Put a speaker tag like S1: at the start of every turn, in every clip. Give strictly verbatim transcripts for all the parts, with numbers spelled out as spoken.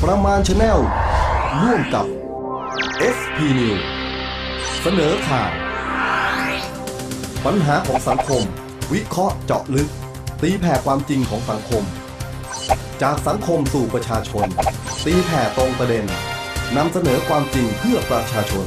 S1: ประมาณ Channel ร่วมกับ เอส พี News เสนอข่าวปัญหาของสังคมวิเคราะห์เจาะลึกตีแผ่ความจริงของสังคมจากสังคมสู่ประชาชนตีแผ่ตรงประเด็นนำเสนอความจริงเพื่อประชาชน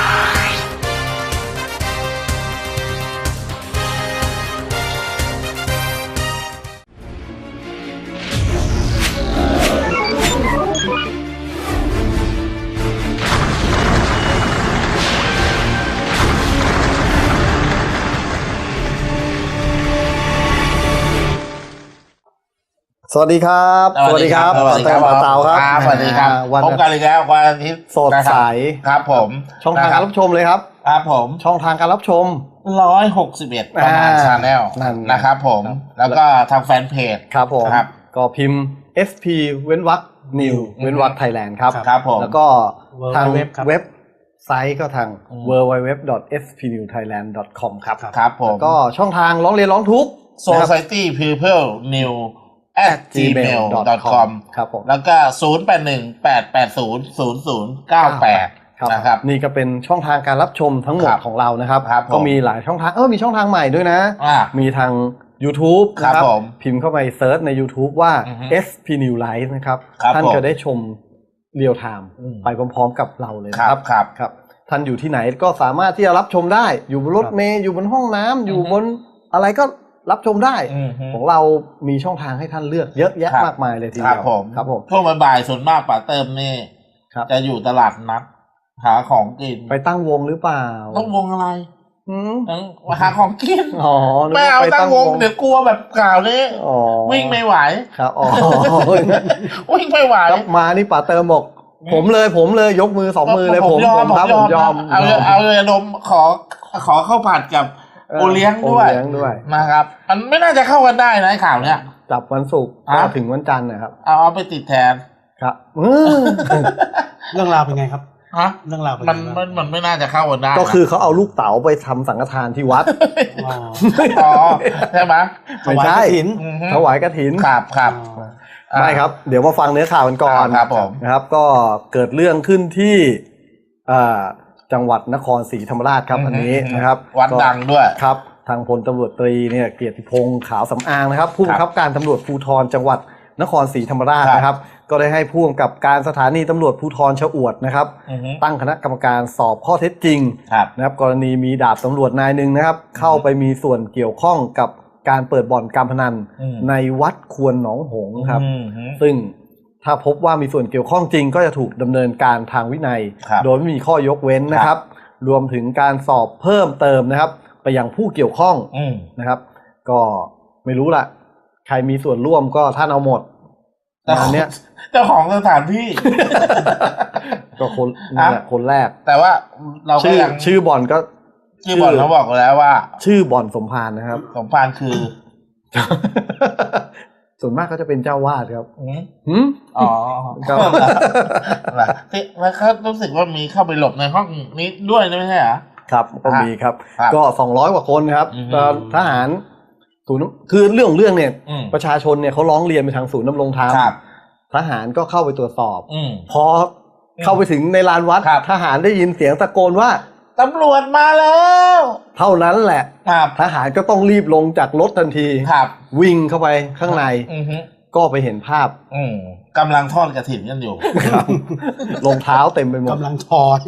S1: สวัสดีครับ
S2: สวัสดีครับสวัสดีครับ
S1: เต่าครับ
S2: สวัสดีครับพบกันอีกแล้ววันอาทิตย์
S1: สดใส
S2: ครับผม
S1: ช่องทางการรับชมเลยครับ
S2: ครับผม
S1: ช่องทางการรับชม
S2: หนึ่งร้อยหกสิบเอ็ดประมาณ Channel นะครับผมแล้วก็ทางแฟนเพจ
S1: ครับผมก็พิมพ์ เอส พี เว้นวรรค New เว้นวรรค Thailand ครับ
S2: ครับผม
S1: แล้วก็ทางเว็บไซต์ก็ทาง ดับเบิลยู ดับเบิลยู ดับเบิลยู ดอท เอส พี นิว ไทยแลนด์ ดอท คอม ครับ
S2: ครับผม
S1: ก็ช่องทางร้องเรียนร้องทุกข์
S2: society people new at gmail ดอท คอม
S1: ครับผม
S2: แล้วก็ศูนย์ แปด หนึ่ง แปด แปด ศูนย์ ศูนย์ ศูนย์ เก้า แปดนะครับ
S1: นี่ก็เป็นช่องทางการรับชมทั้งหมดของเรานะครับก็มีหลายช่องทางเออมีช่องทางใหม่ด้วยนะมีทาง YouTube นะครับพิมพ์เข้าไปเซิร์ชใน YouTube ว่า เอส พี News Live นะครับท่านจะได้ชมเรียลไทม์ไปพร้อมๆกับเราเลยนะครับ
S2: ครับ
S1: ครับท่านอยู่ที่ไหนก็สามารถที่จะรับชมได้อยู่บนรถเมล์อยู่บนห้องน้ำอยู่บนอะไรก็รับชมได้ของเรามีช่องทางให้ท่านเลือกเยอะแยะมากมายเลยทีเดียว
S2: ครับผมช่วงบ่ายส่วนมากป๋าเติมนี่จะอยู่ตลาดนัดหาของกิน
S1: ไปตั้งวงหรือเปล่า
S2: ตั้งวงอะไรหาของกิน
S1: อ๋อ
S2: ไม่เอาตั้งวงเดี๋ยวกลัวแบบกล่าวนี้วิ่งไม่ไหว
S1: ครับอ๋อ
S2: วิ่งไม่ไหว
S1: มานี่ป๋าเติมบอกผมเลยผมเลยยกมือสองมือเลยผมผมครับผมยอม
S2: เอาเอาเลยนมขอขอข้าวผัดกับโอเลี้ยงด้วยนะครับมันไม่น่าจะเข้ากันได้นะข่าวเนี้ย
S1: จับวันศุกร์ถึงวันจันทร์นะครับ
S2: เอาเอาไปติดแทน
S1: ครับ
S3: เรื่องราวเป็นไงครับ
S2: ฮะ
S3: เรื่องราว
S2: มันมันมันไม่น่าจะเข้ากันได้
S1: ก็คือเขาเอาลูกเต๋าไปทำสังฆทานที่วัด
S2: อ๋อใช่ไหม
S1: ไม่ใช่ถวายกฐิน
S2: ครับครับ
S1: ไม่ครับเดี๋ยวมาฟังเนื้อข่าวกันก่อนนะครับก็เกิดเรื่องขึ้นที่จังหวัดนครศรีธรรมราชครับอันนี้นะครับ
S2: วัดดังด้วย
S1: ครับทางพลตำรวจตรีเนี่ยเกียรติพงษ์ขาวสำอางนะครับผู้บังคับการตำรวจภูธรจังหวัดนครศรีธรรมราชนะครับก็ได้ให้ผู้กำกับการสถานีตำรวจภูธรชะอวดนะครับตั้งคณะกรรมการสอบข้อเท็จจริงนะครับกรณีมีดาบตำรวจนายหนึ่งนะครับเข้าไปมีส่วนเกี่ยวข้องกับการเปิดบ่อนการพนันในวัดควรหนองหงส์ครับซึ่งถ้าพบว่ามีส่วนเกี่ยวข้องจริงก็จะถูกดำเนินการทางวินัยโดยไม่มีข้อยกเว้นนะครับรวมถึงการสอบเพิ่มเติมนะครับไปยังผู้เกี่ยวข้องนะครับก็ไม่รู้ล่ะใครมีส่วนร่วมก็ท่านเอาหมด
S2: แต่เนี้ยเจ้าของสถานที่
S1: ก็คนนี่แหละคนแรก
S2: แต่ว่าเรา
S1: ชื่อชื่อบ่อนก็
S2: ชื่อบ่อนเขาบอกแล้วว่า
S1: ชื่อบ่อนสมภารนะครับ
S2: สมภารคือ
S1: ส่วนมากก็จะเป็นเจ้าวาดครับ
S2: อืมอ๋อแล้วเขารู้สึกว่ามีเข้าไปหลบในห้องนี้ด้วยไม่ใช่เหรอ
S1: ครับก็มีครับก็สองร้อยกว่าคนครับทหารศูนย์คือเรื่องของเรื่องเนี่ยประชาชนเนี่ยเขาร้องเรียนไปทางศูนย์ดำรงธรรมทหารก็เข้าไปตรวจสอบพอเข้าไปถึงในลานวัดทหารได้ยินเสียงตะโกนว่า
S2: ตำรวจมาแล้ว
S1: เท่านั้นแหละทหารก็ต้องรีบลงจากรถทันทีวิ่งเข้าไปข้างในก็ไปเห็นภาพ
S2: กำลังทอดกฐินกันอยู่
S1: รองเท้าเต็มไปหมด
S3: กำลังทอด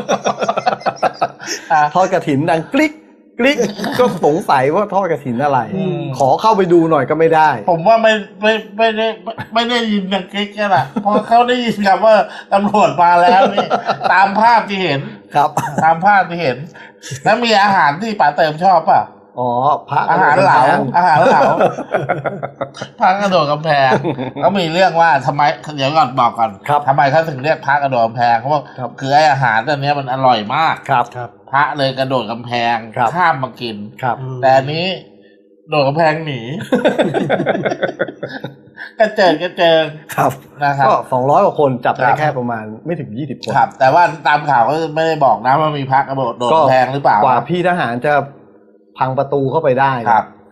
S1: ทอดกฐินดังกริ๊กกริ๊กก็สงสัยว่าทอดกฐินอะไรขอเข้าไปดูหน่อยก็ไม่ได้
S2: ผมว่าไม่ไม่ไม่ได้ไม่ได้ยินดังกริ๊กกันอ่ะเพราะเขาได้ยินคำว่าตำรวจมาแล้วนี่ตามภาพที่เห็น
S1: ครับ
S2: ตามภาพที่เห็นแล้วมีอาหารที่ป๋าเติมชอบป่ะ
S1: อ๋อพระ
S2: อาหารเหลาอาหารเหลาพระกระโดดกำแพงเขามีเรื่องว่าทำไมเดี๋ยวก่อนบอกก่อนทำไมเขาถึงเรียกพระกระโดดกำแพงเขาบอกคือไอ้อาหารตัวนี้มันอร่อยมาก
S1: ครับ
S2: พระเลยกระโดดกำแพงข้ามมากินแต่อันนี้โดดกำแพงหนีกระเจิงกระเจิง
S1: ครับนะครับก็สองร้อยกว่าคนจับได้แค่ประมาณไม่ถึงยี่สิบคน
S2: ครับแต่ว่าตามข่าวก็ไม่ได้บอกนะว่ามีพระกระโดดโดดกำแพงหรือเปล่าก
S1: ว่าพี่ทหารจะพังประตูเข้าไปได้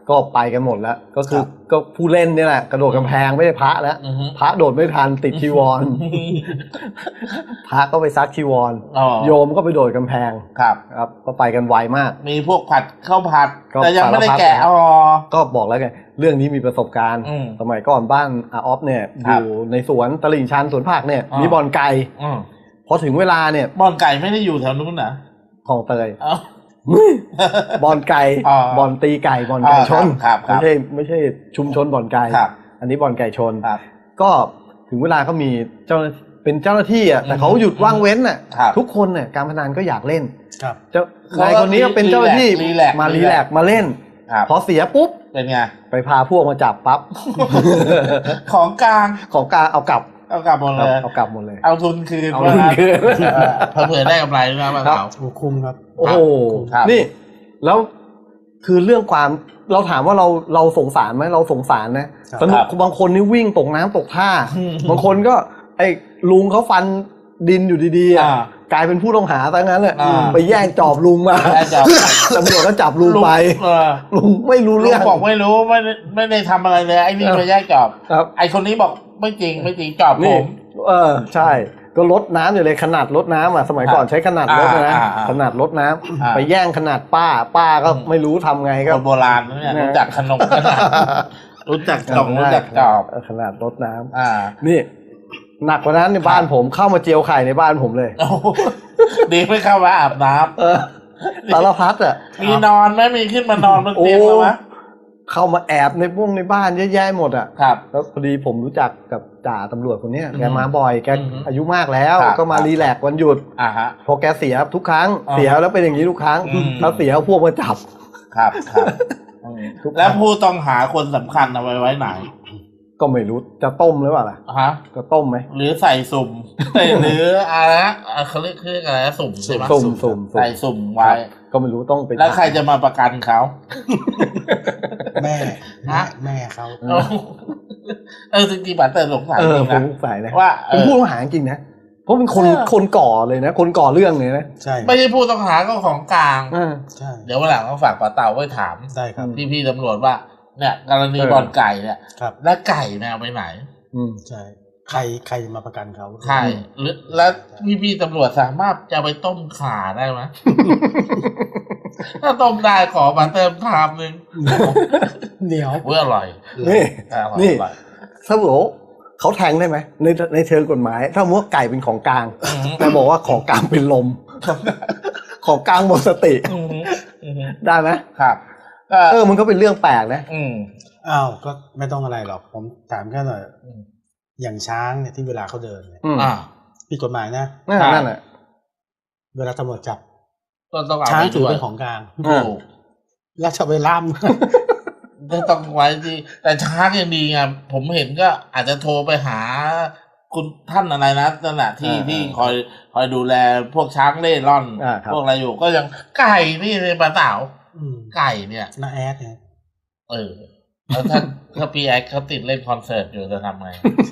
S1: ก็ไปกันหมดแล้วก็คือก็ผู้เล่นนี่แหละกระโดดกำแพงไม่ได้พระแล้วพระโดดไม่ทันติดชีวร พระก็ไปซักชีวรโยมก็ไปโดดกำแพง
S2: ครับ
S1: ครับก็ไปกันไวมาก
S2: มีพวกผัดข้าวผัดแต่ยังไม่ได้แกะอ๋อ
S1: ก็บอกแล้วไงเรื่องนี้มีประสบการณ์สมัยก่อนบ้านอาออฟเนี่ยอยู่ในสวนตลิ่งชันสวนผักเนี่ยมีบ่อนไก่พอถึงเวลาเนี่ย
S2: บ่อนไก่ไม่ได้อยู่แถวนู้นนะ
S1: ของเตยบ่อนไก่บ่อนตีไก่บ่อนไก่ชนไม่ใช่ไม่ใช่ชุมชนบ่อนไก่อันนี้บ่อนไก่ชนก็ถึงเวลาก็มีเจ้าเป็นเจ้าหน้าที่อ่ะแต่เขาหยุดว่างเว้นอ่ะทุกคนเนี่ยการพนันก็อยากเล่นเจ้านายคนนี้ก็เป็นเจ้าหน้าที่มารีแลกมาเล่นพอเสียปุ๊บ
S2: เป็นไง
S1: ไปพาพวกมาจับปั๊บ
S2: ของกลาง
S1: ของกลางเอากลับ
S2: เอากลับหมดเลย
S1: เอากลับหมดเลย
S2: เอาทุนคืน
S1: เอาทุนคืน
S2: เผื่อได้กำไรนะมาเขา
S3: คุ้มครับ
S1: โอ้โหนี่แล้วคือเรื่องความเราถามว่าเราเราสงสารไหมเราสงสารนะสนุกบางคนนี่วิ่งตกน้ำตกท่าบางคนก็ไอ้ลุงเขาฟันดินอยู่ดีๆอ่ะกลายเป็นผู้ต้องหาซะงั้นแหละไปแย่งจอบลุงมาตำรวจก็จับลุงไปลุงไม่รู้เรื่อง
S2: บอกไม่รู้ไม่ไม่ได้ทำอะไรเลยไอ้นี่ไปแย่งจอบไอ้คนนี้บอกไม่จริงไม่จริงจอบผม
S1: เออใช่ก็ลดน้ำอยู่เลยขนาดลดน้ำอ่ะสมัยก่อนใช้ขนาดลดนะขนาดลดน้ำไปแย่งขนาดป้าป้าก็ไม่รู้ทำไงก็
S2: โบราณเนี่ยรู้จักขนมขนาดรู้จักจอบรู้จักจอบ
S1: ขนาดลดน้ำนี่หนักกว่านั้นในบ้านผมเข้ามาเจียวไข่ในบ้านผมเลย
S2: ดีไม่เข้ามาอาบน้
S1: ำสารพัดอ่ะ
S2: มีนอนไหมมีขึ้นมานอนบนเตียงไหม
S1: เข้ามาแอบในพวกในบ้านเยอะแยะหมดอ่ะ
S2: ครับ
S1: แล้วพอดีผมรู้จักกับจ่าตำรวจคนนี้แกมาบ่อยแกอายุมากแล้วก็มารีแลกซ์วันหยุดพอแกเสียทุกครั้งเสียแล้วเป็นอย่างนี้ทุกครั้งแล้วเสียพวกมาจับ
S2: ครับครับแล้วผู้ต้องหาคนสำคัญเอาไว้ไว้ไหน
S1: ก็ไม่รู้จะต้มหรือเปล่าล่ะ
S2: ฮะ
S1: จะต้มไหม
S2: หรือใส่สุ่มหรืออะไรเขาเรียกคืออะไรสุ่มใช่ไหม
S1: สุ่มสุ่ม
S2: ใส่สุ่มไว้
S1: ก็ไม่รู้ต้องไป
S2: แล้วใครจะมาประกันเขา
S3: แม่
S2: ฮะ
S3: แม่เขา
S2: เออจริงๆบัตรเติมสงสัย
S1: จริงนะสงสัยนะว่าเป็นผู้ต้องหาจริงนะเพราะเป็นคนคนก่อเลยนะคนก่อเรื่องเลยนะ
S3: ใช่
S2: ไม่ใช่ผู้ต้องหาก็ของกลาง
S3: ใช่
S2: เดี๋ยววันหลังต้องฝากป้าเต่าไว้ถาม
S3: ได้ครับ
S2: พี่พี่ตำรวจว่าเนี่ยกรณีบ่อนไก่เนี่ยและไก่เนี่ยไปไหน
S3: อืมใช่ใครใครมาประกันเขา
S2: ใช่หรือแล้วพี่พี่ตำรวจสามารถจะไปต้มข่าได้ไหมถ้าต้มได้ขอมาเติมชามนึง
S3: เหนียว
S2: เพื่ออร่อย
S1: นี่นี่ถ้าบอกเขาแทงได้ไหมในในเชิงกฎหมายถ้ามัวไก่เป็นของกลางแต่บอกว่าของกลางเป็นลมของกลางหมดสติได้ไหม
S2: ครับ
S1: เออมันก็เป็นเรื่องแปลกนะ
S2: อืม
S3: อ้าวก็ไม่ต้องอะไรหรอกผมถามแค่หน่อยอย่างช้างเนี่ยที่เวลาเขาเดินเนี่ยผิดกฎหมายนะ
S1: นั่นแหละ
S3: เวลาตำรวจจับช้างถือเป็นของกลางแล้วจะไปล่าม
S2: ต้องไว้ที่แต่ช้างยังดีไงผมเห็นก็อาจจะโทรไปหาคุณท่านอะไรนะนั่นแหละที่ที่คอยคอยดูแลพวกช้างเล่ร่อนพวกอะไรอยู่ก็ยังไก่นี่ในปลาเต่าไก่เนี่ย
S3: น้าแอดเนี่ย
S2: เออแล้วถ้าถ้าพี่แอดเขาติดเล่นคอนเสิร์ตอยู่จะทำไง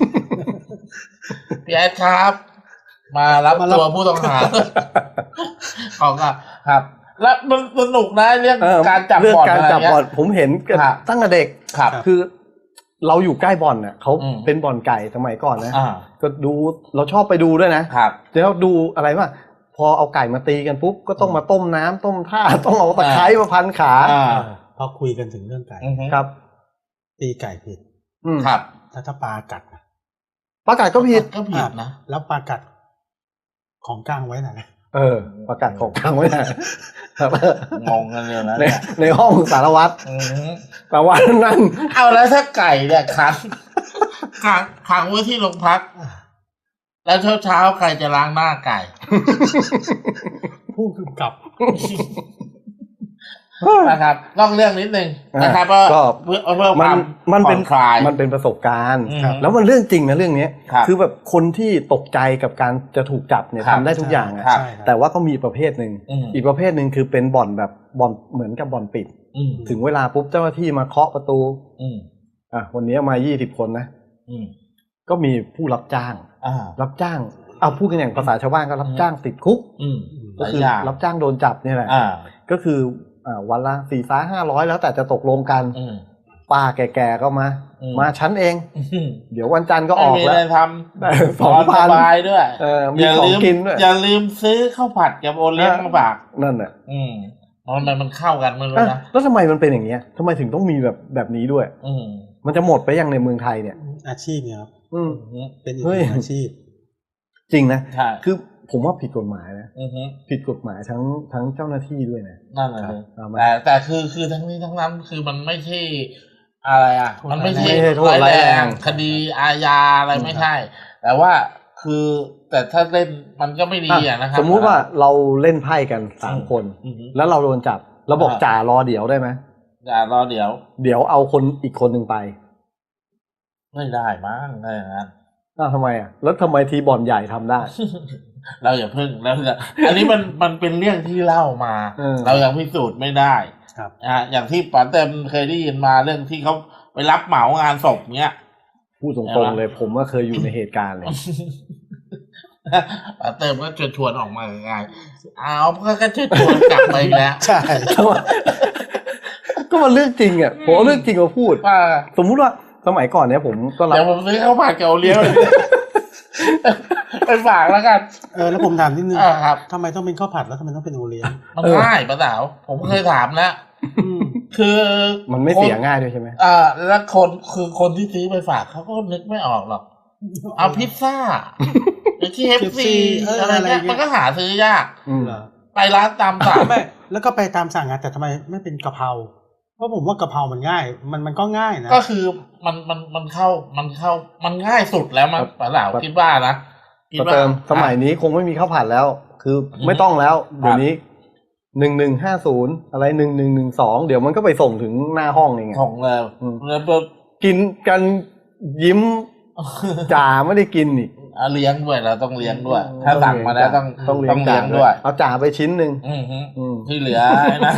S2: พี่แอดครับ มารับตัวผู้ต้องหาของครับ แล้วมันสนุกนะเรื่องการจับบ่อนอะไรเงี้ย
S1: ผมเห็นตั้งแต่เด็กคือเราอยู่ใกล้บ่อนเนี่ยเขาเป็นบ่อนไก่สมัยก่อนนะก็ดูเราชอบไปดูด้วยนะแล้วดูอะไรวะพอเอาไก่มาตีกันปุ๊บก็ต้องมาต้มน้ำต้มท่าต้องเอาตะไคร้มาพันขา
S3: พอคุยกันถึงเรื่องไก่
S1: ครับ
S3: ตีไก่ผิด
S2: ครับ
S3: ถ้าถ้าปลากัด
S1: ปลากัดก็ผิด
S2: ก็ผิดนะ
S3: แล้วปลากัดของกลางไว้ไหน
S1: เออปลากัดของกลางไว้ไหน
S2: งงกันเลยนะ
S1: ในในห้องสารวัตรสารวัตรนั่น
S2: เอาแล้วถ้าไก่เนี่ยขังขังขังไว้ที่โรงพักแล้วเช้าเช้าใครจะล้างหน้าไก่
S3: ผู้กำกับ
S2: นะครับต้องเรื่องนิดนึงนะครับก็เพื่อเพื่อความ
S1: มันเป็นมันเป็นประสบการณ์แล้วมันเรื่องจริงนะเรื่องนี้คือแบบคนที่ตกใจกับการจะถูกจับเนี่ยทำได้ทุกอย่างอ่ะแต่ว่าก็มีประเภทหนึ่งอีกประเภทหนึ่งคือเป็นบ่อนแบบบ่อนเหมือนกับบ่อนปิดถึงเวลาปุ๊บเจ้าหน้าที่มาเคาะประตูอ่ะวันนี้มายี่สิบคนนะก็มีผู้รับจ้างรับจ้างเอาพูดกันอย่างภาษาชาวบ้านก็รับจ้างติดคุกก็คือรับจ้างโดนจับนี่แหละก็คืออ่าวันละสี่ซ้ายห้าร้อยแล้วแต่จะตกลงกันป้าแก่ๆก็มามาชั้นเองเดี๋ยววันจันทร์ก็ออกแล้ว
S2: ไม่ได้ทำสองพันสบายด้วย
S1: เออมีของกินด้วย
S2: อย่าลืมซื้อข้าวผัดกับโอเลี้ยงมาฝาก
S1: นั่นแหละ
S2: อืมมันมันเข้ากันไม่รู้นะ
S1: แล้วทำไมมันเป็นอย่างเงี้ยทำไมถึงต้องมีแบบแบบนี้ด้วย
S2: อืม
S1: มันจะหมดไปยังในเมืองไทยเนี่ย
S3: อาชีพเนี่ยครับ
S1: อืม
S3: เป็นอีกหนึ่งอาชีพ
S1: จริงนะคือผมว่าผิดกฎหมายนะผิดกฎหมายทั้งทั้งเจ้าหน้าที่ด้วยนะ
S2: นั่นแหละแต่แต่คือคือทั้งนี้ทั้งนั้นคือมันไม่ใช่อะไรอ่ะมันไม่ใช่ร้ายแรงคดีอาญาอะไรไม่ใช่แต่ว่าคือแต่ถ้าเล่นมันก็ไม่ดีอ่ะนะครับ
S1: สมมุติว่าเราเล่นไพ่กันสามคนแล้วเราโดนจับเราบอกจ่ารอเดี๋ยวได้ไหม
S2: จ่ารอเดี๋ยว
S1: เดี๋ยวเอาคนอีกคนหนึ่งไป
S2: ไม่ได้มั้งอะไรอย่างนั้น
S1: อ้าวทำไมอ่ะแล้วทำไมทีบ่อนใหญ่ทำได้
S2: เราอย่าพึ่งแล้วอันนี้มันมันเป็นเรื่องที่เล่ามาเรายังพิสูจน์ไม่ได้
S3: ครับ
S2: อ่าอย่างที่ป๋าเต็มเคยได้ยินมาเรื่องที่เขาไปรับเหมางานศพเนี้ย
S1: พูดตรงๆเลยผมก็เคยอยู่ในเหตุการณ์เลย
S2: ป๋าเต็มก็ชวนชวนออกมาไงเอาก็ชวนชวนกลับไปแล้ว
S1: ใช่ก็มันเรื่องจริงอ่ะผมเรื่องจริงมาพูดสมมุติว่าสมัยก่อนเนี้ยผมก็รับ
S2: เดี๋ยวผมซื้อข้าวผัดเกาเลี้ยงไปฝากแล้วกัน
S3: เออแล้วผมถามนิดนึง
S2: ครับ
S3: ทำไมต้องเป็นข้าวผัดแล้วทำไมต้องเป็นโอเลี้ยง
S2: มันง่ายป้าสาวผมเคยถามแล้วคือ
S1: มันไม่เสียง่ายด้วยใช่ไหม
S2: อ่าแล้วคนคือคนที่ซื้อไปฝากเขาก็นึกไม่ออกหรอกเอาพิซซ่าหรือที่เอฟซีอะไรเงี้ยมันก็หาซื้อยากไปร้านตามสั่ง
S3: ไม่แล้วก็ไปตามสั่งอ่ะแต่ทำไมไม่เป็นกะเพราเพราะผมว่ากะเพรามันง่ายมันมันก็ง่ายนะ
S2: ก็คือมันมันมันเข้ามันเข้ามันง่ายสุดแล้วมันป้าสาวคิดว่านะ
S1: คิดว่าสมัยนี้คงไม่มีข้าวผัดแล้วคือไม่ต้องแล้วเดี๋ยวนี้หนึ่งหนึ่งห้าศูนย์อะไรหนึ่งหนึ่งหนึ่งสองเดี๋ยวมันก็ไปส่งถึงหน้าห้องเอง
S2: ของแล้วแล้ว
S1: กินกันยิ้มจ่าไม่ได้กินนี่
S2: เลี้ยงด้วยเราต้องเลี้ยงด้วยถ้าสั่งมาแล้วต้องต้องเลี้ยงด้วย
S1: เอาจ่าไปชิ้นหนึ่ง
S2: ที่เหลือนะ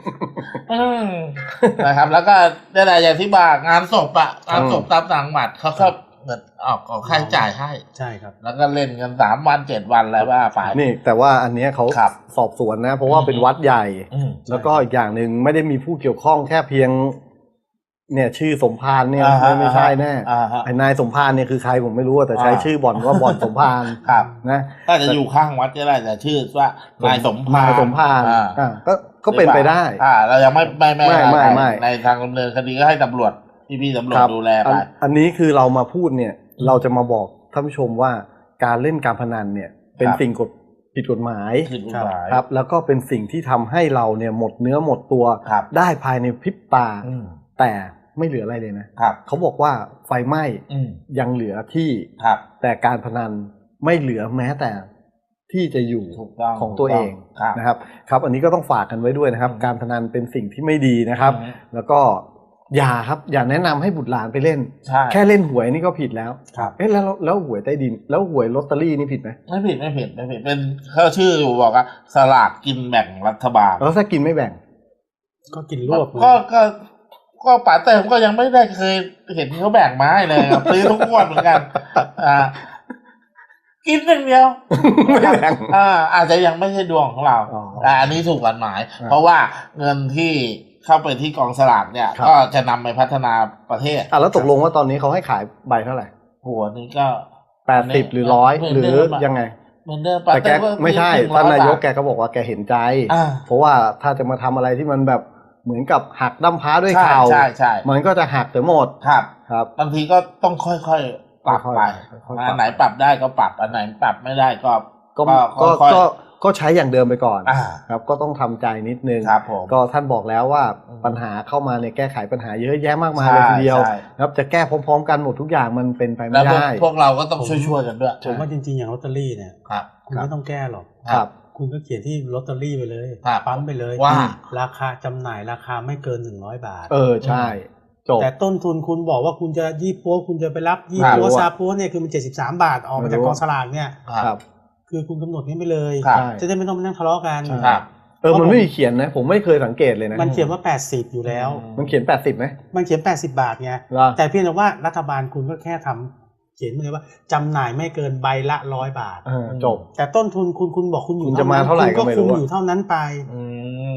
S2: นะครับแล้วก็ได้แต่อย่างที่บอกงานศพอะงานศพตามต่างหวัดเขาก็เงินออกของค่าใช้จ่ายให้
S3: ใช่ครับ
S2: แล้วก็เล่นกันสามวันเจ็ดวันแล้วว่าไป
S1: นี่แต่ว่าอันนี้เขาสอบสวนนะเพราะว่าเป็นวัดใหญ่แล้วก็อีกอย่างหนึ่งไม่ได้มีผู้เกี่ยวข้องแค่เพียงเนี่ยชื่อสมภารเนี่ยไม่ใช่แน่ไอ้นายสมภารเนี่ยคือใครผมไม่รู้แต่ใช้ชื่อบ่อนว่าบ่อนสมภารนะ
S2: ถ้าจะอยู่ข้างวัดก็ได้แต่ชื่อว่านายสมภาร
S1: นายสมภารอ่าก็ก็เป็นไปได้
S2: อ่าเรายังไม่ไม่ไม่ไม่ในทางดำเนินคดีก็ให้ตำรวจพี่พี่ตำรวจดูแลไป
S1: อันนี้คือเรามาพูดเนี่ยเราจะมาบอกท่านผู้ชมว่าการเล่นการพนันเนี่ยเป็นสิ่งกฎผิดกฎหมายครับแล้วก็เป็นสิ่งที่ทำให้เราเนี่ยหมดเนื้อหมดตัวได้ภายในพริบตาแต่ไม่เหลืออะไรเลยนะเขาบอกว่าไฟไหม้ยังเหลือที่แต่การพนันไม่เหลือแม้แต่ที่จะอยู่ของตัวเองนะครับครับอันนี้ก็ต้องฝากกันไว้ด้วยนะครับการพนันเป็นสิ่งที่ไม่ดีนะครับแล้วก็อย่าครับอย่าแนะนำให้บุตรหลานไปเล่นแค่เล่นหวยนี่ก็ผิดแล้วเอ๊ะแล้วแล้วหวยใต้ดินแล้วหวยลอตเตอรี่นี่ผิดไหม
S2: ไม่ผิดไม่ผิดไม่ผิดเป็นเขาชื่ออยู่บอกว่าสลากกินแบ่งรัฐบาล
S1: แล้วถ้ากินไม่แบ่ง
S3: ก็กินรวบ
S2: ก็ก็ก็ป๋าเติมก็ยังไม่ได้เคยเห็นเขาแบ่งไม้เลยซื้อทุกงวดเหมือนกันอ่ากินอย่างเดียวอ่าอาจจะยังไม่ใช่ดวงของเราอ่าอันนี้ถูกกฎหมายเพราะว่าเงินที่เข้าไปที่กองสลากเนี่ยก็จะนำไปพัฒนาประเทศ
S1: อ่ะแล้วตกลงว่าตอนนี้เขาให้ขายใบเท่าไหร่
S2: หัวนี้ก็
S1: แปดสิบหรือร้อยหรือยังไง
S2: เหมือนเดิม
S1: แต่แกไม่ใช่ท่านนายกแกก็บอกว่าแกเห็นใจเพราะว่าถ้าจะมาทำอะไรที่มันแบบเหมือนกับหักดั้มพ้าด้วยเข่ามันก็จะหักแต่หมด
S2: ครับ
S1: ครับ
S2: บางทีก็ต้องค่อยๆปรับไปอันไหนปรับได้ก็ปรับอันไหนปรับไม่ได้ก็
S1: ก็ก็ก็ใช้อย่างเดิมไปก่อนครับก็ต้องทำใจนิดนึงก็ท่านบอกแล้วว่าปัญหาเข้ามาเนี่ยแก้ไขปัญหาเยอะแยะมากมายเลยทีเดียวครับจะแก้พร้อมๆกันหมดทุกอย่างมันเป็นไปไม่ได้
S2: พวกเราก็ต้องช่วยๆกันด้วย
S3: ผมว่าจริงๆอย่างลอตเตอรี่เนี่ยคุณไม่ต้องแก้หรอกคุณก็เขียนที่ลอตเตอรี่ไปเลยปั๊มไปเลย
S2: ว่า
S3: ราคาจำหน่ายราคาไม่เกินหนึ่งร้อยบาท
S1: เออใช่จบ
S3: แต่ต้นทุนคุณบอกว่าคุณจะยี่ปัวคุณจะไปรับยี่ปัวซาปัวเนี่ยคือมันเจ็ดสิบสามบาทออกมาจากกองสลากเนี่ย
S1: ครับ
S3: คือคุณกำหนดนี้ไปเลยจะได้ไม่ต้องมานั่งทะเลาะกัน
S1: เออมันไม่มีเขียนนะผมไม่เคยสังเกตเลยนะ
S3: มันเขียนว่าแปดสิบอยู่แล้ว
S1: มันเขียนแปดสิบไหม
S3: มันเขียนแปดสิบบาทไงแต่เพียงแต่ว่ารัฐบาลคุณก็แค่ทำเขียนมาเลยว่าจำหน่ายไม่เกินใบละร้อยบาท
S1: จบ
S3: แต่ต้นทุนคุณคุณบอกคุณอยู่
S1: จะมาเท่าไหร่ก็ไม่รู้
S3: คุณอยู่เท่านั้นไป
S1: ผ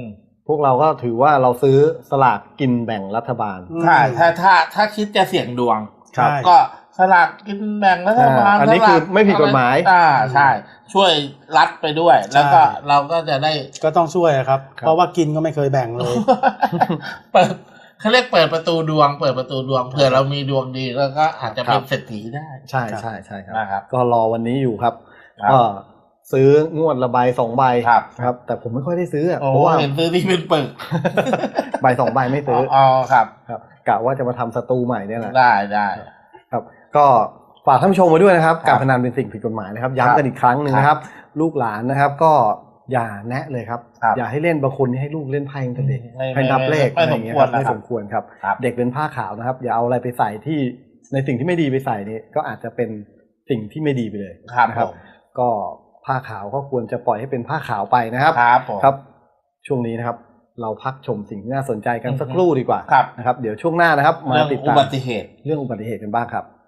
S1: พวกเราก็ถือว่าเราซื้อสลากกินแบ่งรัฐบาล
S2: ใช่ถ้าถ้าถ้าคิดจะเสี่ยงดวง
S1: ครับ
S2: ก็สลากกินแบ่งรัฐบาล
S1: อันนี้คือไม่ผิดกฎหมาย
S2: อ่าใช่ช่วยรัฐไปด้วยแล้วก็เราก็จะได้
S3: ก็ต้องช่วยครับเพราะว่ากินก็ไม่เคยแบ่งเลย
S2: เปิดเขาเรียกเปิดประตูดวงเปิดประตูดวงเผื่อเรามีดวงดีแล้วก็อาจจะเป็นเศรษฐีได้
S1: ใช่ใช่ใช่ครับ
S2: นะครับ
S1: ก็รอวันนี้อยู่ครับก็ซื้องวดละใบสองใบ
S2: ครับ
S1: ครับแต่ผมไม่ค่อยได้ซื้อ
S2: เพราะว่าเห็นซื้อที่เป็นปึก
S1: ใบสองใบไม่ซื้อ
S2: อ๋อครับ
S1: ครับกะว่าจะมาทำสตูใหม่เนี่ยแหละ
S2: ได้ได้
S1: ครับก็ฝากท่านผู้ชมมาด้วยนะครับการพนันเป็นสิ่งผิดกฎหมายนะครับย้ำกันอีกครั้งหนึ่งนะครับลูกหลานนะครับก็อย่าแนะเลยครับอย่าให้เล่นบางคนให้ลูกเล่นไพ่ตั้งแต่เด็กให้นับเลขอะไรอย่างเงี้ยครับไม่สมควรครับเด็กเป็นผ้าขาวนะครับอย่าเอาอะไรไปใส่ที่ในสิ่งที่ไม่ดีไปใส่นี่ก็อาจจะเป็นสิ่งที่ไม่ดีไปเลยนะครับก็ผ้าขาวก็ควรจะปล่อยให้เป็นผ้าขาวไปนะครับครับช่วงนี้นะครับเราพักชมสิ่งที่น่าสนใจกันสักครู่ดีกว่านะครับเดี๋ยวช่วงหน้านะครับมาติดตาม
S2: อุบัติเหตุ
S1: เรื่องอุบัติเหตุกันบ้างครับ